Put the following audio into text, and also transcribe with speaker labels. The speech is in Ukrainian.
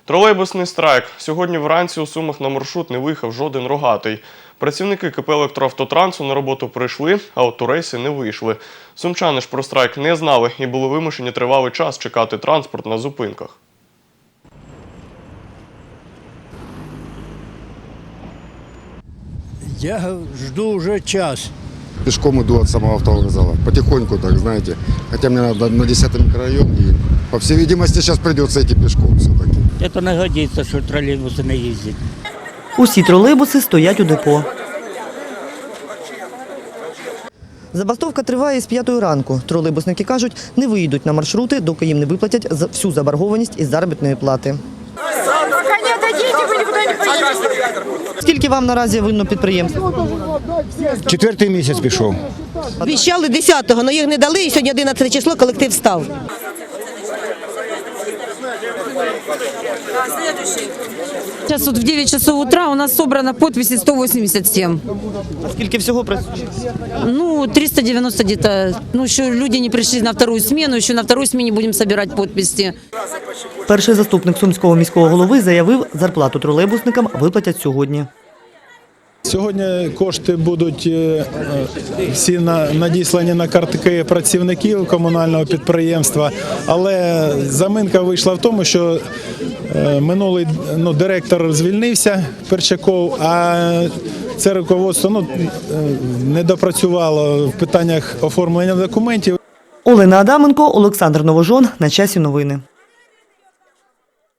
Speaker 1: Тролейбусний страйк. Сьогодні вранці у Сумах на маршрут не виїхав жоден рогатий. Працівники КП «Електроавтотрансу» на роботу прийшли, а от у рейси не вийшли. Сумчани ж про страйк не знали і були вимушені тривалий час чекати транспорт на зупинках.
Speaker 2: Я жду уже час.
Speaker 3: Пешком иду от самого автовокзала. Потихоньку, так, знаете. Хотя мне надо на 10-й микрорайон. И, по всей видимости, сейчас придется идти пешком все-таки.
Speaker 4: Це не годиться, що тролейбуси не їздять.
Speaker 5: Усі тролейбуси стоять у депо. Забастовка триває з 5 ранку. Тролейбусники кажуть, не виїдуть на маршрути, доки їм не виплатять всю заборгованість із заробітної плати. Скільки вам наразі винно підприємство?
Speaker 2: 4-й місяць пішов.
Speaker 6: Обіцяли 10-го, але їх не дали, і сьогодні 11 число, колектив став.
Speaker 7: Сейчас вот в 9 часов утра у нас собрано подписи 187.
Speaker 5: А скільки всього працює?
Speaker 7: Ну, 390 где-то. Ну, еще люди не пришли на вторую смену, еще на второй смене будем собирать подписи.
Speaker 5: Перший заступник Сумського міського голови заявив, зарплату тролейбусникам виплатять сьогодні.
Speaker 8: Сьогодні кошти будуть всі надіслані на картки працівників комунального підприємства, але заминка вийшла в тому, що минулий директор звільнився, Перчаков, а це руководство не допрацювало в питаннях оформлення документів.
Speaker 5: Олена Адаменко, Олександр Новожон. На часі новини.